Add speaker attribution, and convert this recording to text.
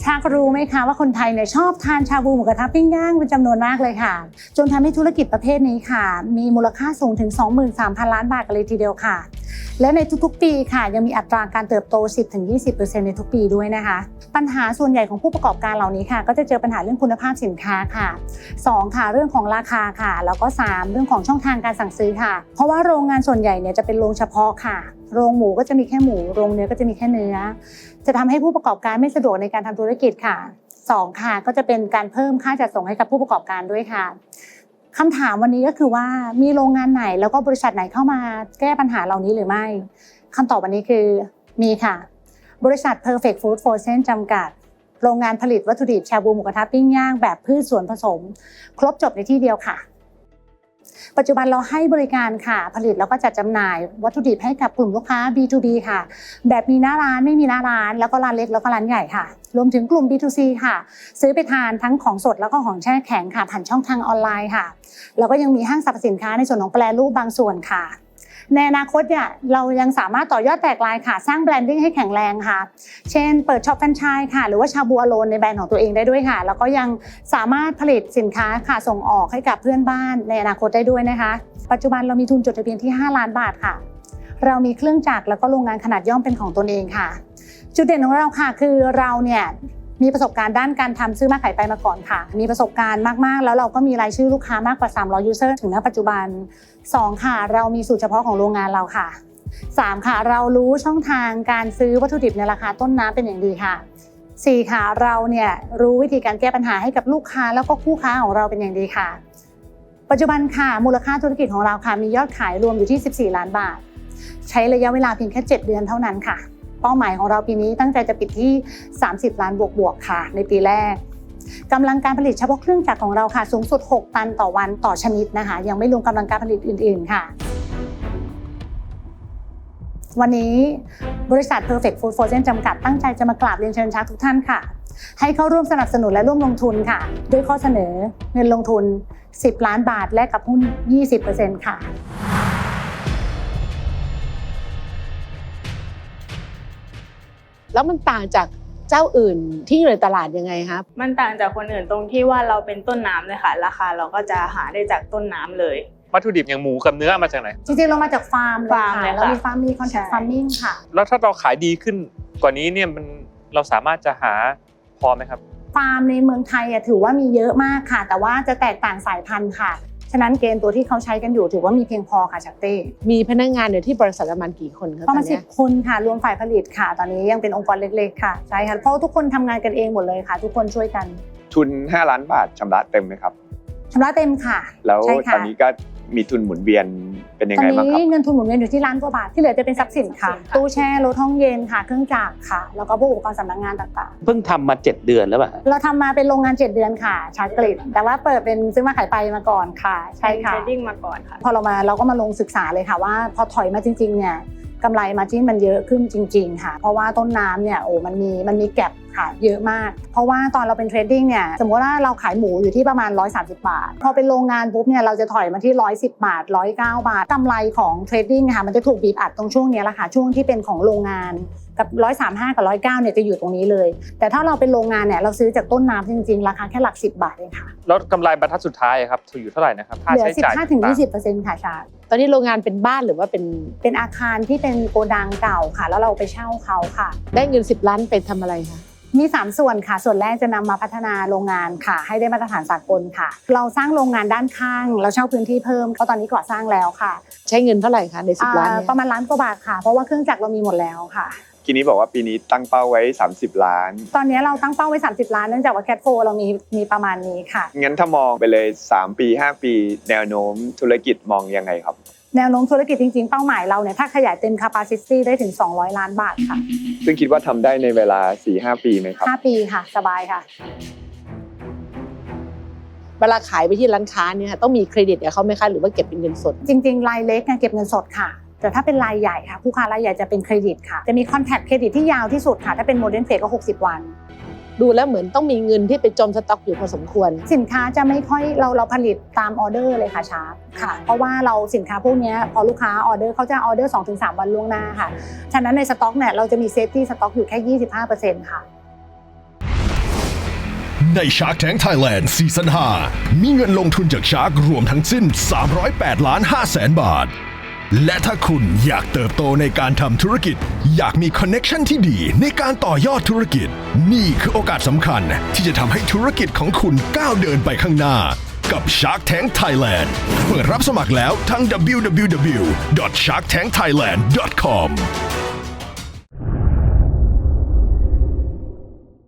Speaker 1: ชารู้ไหมคะว่าคนไทยเนี่ยชอบทานชาบูหมูกระทะปิ้งย่างเป็นจำนวนมากเลยค่ะจนทำให้ธุรกิจประเภทนี้ค่ะมีมูลค่าสูงถึง 23,000 ล้านบาทกันเลยทีเดียวค่ะและในทุกๆปีค่ะยังมีอัตราการเติบโต 10-20% ในทุกปีด้วยนะคะปัญหาส่วนใหญ่ของผู้ประกอบการเหล่านี้ค่ะก็จะเจอปัญหาเรื่องคุณภาพสินค้าค่ะ2ค่ะเรื่องของราคาค่ะแล้วก็3เรื่องของช่องทางการสั่งซื้อค่ะเพราะว่าโรงงานส่วนใหญ่เนี่ยจะเป็นโรงเฉพาะค่ะโรงหมูก็จะมีแค่หมูโรงเนื้อก็จะมีแค่เนื้อจะทำให้ผู้ประกอบการไม่สะดวกในการทำธุรกิจค่ะ2ค่ะก็จะเป็นการเพิ่มค่าจัดส่งให้กับผู้ประกอบการด้วยค่ะคำถามวันนี้ก็คือว่ามีโรงงานไหนแล้วก็บริษัทไหนเข้ามาแก้ปัญหาเหล่านี้หรือไม่คำตอบวันนี้คือมีค่ะบริษัท Perfect Food Frozen จำกัดโรงงานผลิตวัตถุดิบชาบูหมูกระทะปิ้งย่างแบบพืชส่วนผสมครบจบในที่เดียวค่ะปัจจุบันเราให้บริการค่ะผลิตแล้วก็จัดจำหน่ายวัตถุดิบให้กับกลุ่มลูกค้า B2B ค่ะแบบมีหน้าร้านไม่มีหน้าร้านแล้วก็ร้านเล็กแล้วก็ร้านใหญ่ค่ะรวมถึงกลุ่ม B2C ค่ะซื้อไปทานทั้งของสดแล้วก็ของแช่แข็งค่ะผ่านช่องทางออนไลน์ค่ะแล้วก็ยังมีห้างสรรพสินค้าในส่วนของแปรรูปบางส่วนค่ะในอนาคตเนี่ยเรายังสามารถต่อยอดแตกลายค่ะสร้างแบรนดิ้งให้แข็งแรงค่ะเช่นเปิดช็อปแฟรนไชส์ค่ะหรือว่าชาบูอโลนในแบรนด์ของตัวเองได้ด้วยค่ะแล้วก็ยังสามารถผลิตสินค้าค่ะส่งออกให้กับเพื่อนบ้านในอนาคตได้ด้วยนะคะปัจจุบันเรามีทุนจดทะเบียนที่5 ล้านบาทค่ะเรามีเครื่องจักรแล้วก็โรงงานขนาดย่อมเป็นของตนเองค่ะจุดเด่นของเราค่ะคือเราเนี่ยมีประสบการณ์ด้านการทำซื้อมาขายไปมาก่อนค่ะมีประสบการณ์มากๆแล้วเราก็มีรายชื่อลูกค้ามากกว่า300 ยูเซอร์ถึงณปัจจุบัน2ค่ะเรามีสูตรเฉพาะของโรงงานเราค่ะ3ค่ะเรารู้ช่องทางการซื้อวัตถุดิบในราคาต้นน้ำเป็นอย่างดีค่ะ4ค่ะเราเนี่ยรู้วิธีการแก้ปัญหาให้กับลูกค้าแล้วก็คู่ค้าของเราเป็นอย่างดีค่ะปัจจุบันค่ะมูลค่าธุรกิจของเราค่ะมียอดขายรวมอยู่ที่14 ล้านบาทใช้ระยะเวลาเพียงแค่7 เดือนเท่านั้นค่ะเป้าหมายของเราปีนี้ตั้งใจจะปิดที่30 ล้านบวกๆค่ะในปีแรกกำลังการผลิตเฉพาะเครื่องจักรของเราค่ะสูงสุด6 ตันต่อวันต่อชนิดนะคะยังไม่รวมกำลังการผลิตอื่นๆค่ะวันนี้บริษัท Perfect Food Frozen จำกัดตั้งใจจะมากราบเรียนเชิญชวนทุกท่านค่ะให้เข้าร่วมสนับสนุนและร่วมลงทุนค่ะด้วยข้อเสนอเงินลงทุน10 ล้านบาทแลกกับหุ้น 20% ค่ะ
Speaker 2: แล้วมันต่างจากเจ้าอื่นที่อยู่ในตลาดยังไงครับ
Speaker 3: มันต่างจากคนอื่นตรงที่ว่าเราเป็นต้นน้ำเลยค่ะราคาเราก็จะหาได้จากต้นน้ำเลย
Speaker 4: วัตถุดิบอย่างหมูกับเนื้อมาจากไหน
Speaker 1: จริงๆเรามาจากฟาร์มเลยค่ะเรามีฟาร์มมี contract farming ค่ะ
Speaker 4: แล้วถ้าเราขายดีขึ้นกว่านี้เนี่ยเราสามารถจะหาพอไหมครับ
Speaker 1: ฟาร์มในเมืองไทยถือว่ามีเยอะมากค่ะแต่ว่าจะแตกต่างสายพันธุ์ค่ะฉะนั้นเกณฑ์ตัวที่เขาใช้กันอยู่ถือว่ามีเพียงพอค่ะชักเต้
Speaker 2: มีพนักงานอยู่ที่บริษัทประมาณกี่คนครับ
Speaker 1: ประมาณ10 คนค่ะรวมฝ่ายผลิตค่ะตอนนี้ยังเป็นองค์กรเล็กๆค่ะใช่ค่ะเพราะทุกคนทำงานกันเองหมดเลยค่ะทุกคนช่วยกัน
Speaker 5: ทุน5 ล้านบาทชำระเต็มไหมครับ
Speaker 1: ชำระเต็มค่ะ
Speaker 5: แล้วตอนนี้ก็มีทุนหมุนเวียนเป็นยังไงบ้างครับตอน
Speaker 1: นี้เงินทุนหมุนเวียนอยู่ที่1 ล้านกว่าบาทที่เหลือจะเป็นทรัพย์สินค่ะตู้แช่รถห้องเย็นค่ะเครื่องจักรค่ะแล้วก็พวกอุปกรณ์สำนักงานต่าง
Speaker 6: ๆเพิ่งทำมา7 เดือนแล้วป่ะ
Speaker 1: เราทำมาเป็นโรงงาน7 เดือนค่ะชาร์จกริดแต่ว่าเปิดเป็นซื้อมาขายไปมาก่อนค่ะใช่ค่ะ
Speaker 3: เทรดดิ้งมาก่อนค่ะ
Speaker 1: พอเราก็มาลงศึกษาเลยค่ะว่าพอถอยมาจริงๆเนี่ยกำไรมาร์จิ้นมันเยอะขึ้นจริงๆค่ะเพราะว่าต้นน้ำเนี่ยมันมีแก็ปค่ะเยอะมากเพราะว่าตอนเราเป็นเทรดดิ้งเนี่ยสมมติว่าเราขายหมูอยู่ที่ประมาณ130 บาทพอเป็นโรงงานปุ๊บเนี่ยเราจะถอยมาที่110 บาท109 บาทกำไรของเทรดดิ้งค่ะมันจะถูกบีบอัดตรงช่วงนี้แหละค่ะช่วงที่เป็นของโรงงานกับ135กับ109เนี่ยจะอยู่ตรงนี้เลยแต่ถ้าเราเป็นโรงงานเนี่ยเราซื้อจากต้นน้ำจริงๆราคาแค่หลัก10 บาทเองค่ะ
Speaker 4: แล้วกำไรบรรทัดสุดท้ายครับอยู่เท่าไหร่นะครับ
Speaker 1: เหลือ 15-20% ค่ะชา
Speaker 2: ตอนนี้โรงงานเป็นบ้านหรือว่า
Speaker 1: เป็นอาคารที่เป็นโกดังเก่าค่ะแล้วเราไปเช่าเขาค่ะ
Speaker 2: ได้เงิน10 ล้านไปทำอะไรคะ
Speaker 1: มี3 ส่วนค่ะส่วนแรกจะนำมาพัฒนาโรงงานค่ะให้ได้มาตรฐานสากลค่ะเราสร้างโรงงานด้านข้างเราเช่าพื้นที่เพิ่มก็ตอนนี้ก่อสร้างแล้วค่ะ
Speaker 2: ใช้เงินเท่าไหร่คะใน10 ล้าน
Speaker 1: ประมาณ1 ล้านกว่าบาทค่ะเพราะว่าเครื่องจักรเรามีหมดแล้วค่ะ
Speaker 5: ทีนี้บอกว่าปีนี้ตั้งเป้าไว้30 ล้าน
Speaker 1: ตอนนี้เราตั้งเป้าไว้30 ล้านเนื่องจากว่าแคทโฟเรามีประมาณนี้ค่ะ
Speaker 5: งั้นถ้ามองไปเลย3 ปี5 ปีแนวโน้มธุรกิจมองยังไงครับ
Speaker 1: แนวโน้มธุรกิจจริงๆเป้าหมายเราเนี่ยถ้าขยายเต็ม capacity ได้ถึง200 ล้านบาทค่ะ
Speaker 5: ซึ่งคิดว่าทำได้ในเวลา 4-5 ปีไหมครับ
Speaker 1: 5 ปีค่ะสบายค่ะ
Speaker 2: เวลาขายไปที่ร้านค้าเนี่ยต้องมีเครดิตกับเขาไหมคะหรือว่าเก็บเป็นเงินสด
Speaker 1: จริงๆรายเล็กเก็บเงินสดค่ะแต่ถ้าเป็นรายใหญ่ค่ะผู้ค้ารายใหญ่จะเป็นเครดิตค่ะจะมีคอนแทคเครดิตที่ยาวที่สุดค่ะถ้าเป็นโมเดิร์นเฟสก็60 วัน
Speaker 2: ดูแล้วเหมือนต้องมีเงินที่ไปจมสต็อกอยู่พอสมควร
Speaker 1: สินค้าจะไม่ค่อยเราผลิตตามออเดอร์เลยค่ะชาร์ปค่ะเพราะว่าเราสินค้าพวกนี้พอลูกค้าออเดอร์เขาจะออเดอร์ 2-3 วันล่วงหน้าค่ะฉะนั้นในสต็อกเนี่ยเราจะมีเซฟตี้สต็อกอยู่แค่ 25% ค่ะ
Speaker 6: ใน Shark Tank Thailand ซีซั่น 5 มีเงินลงทุนจาก Shark รวมทั้งสิ้น 308 ล้าน 5 แสนบาท และถ้าคุณอยากเติบโตในการทำธุรกิจ อยากมีคอนเน็กชันที่ดีในการต่อยอดธุรกิจ นี่คือโอกาสสำคัญที่จะทำให้ธุรกิจของคุณก้าวเดินไปข้างหน้า กับ Shark Tank Thailand เปิดรับสมัครแล้วทั้ง www.sharktankthailand.com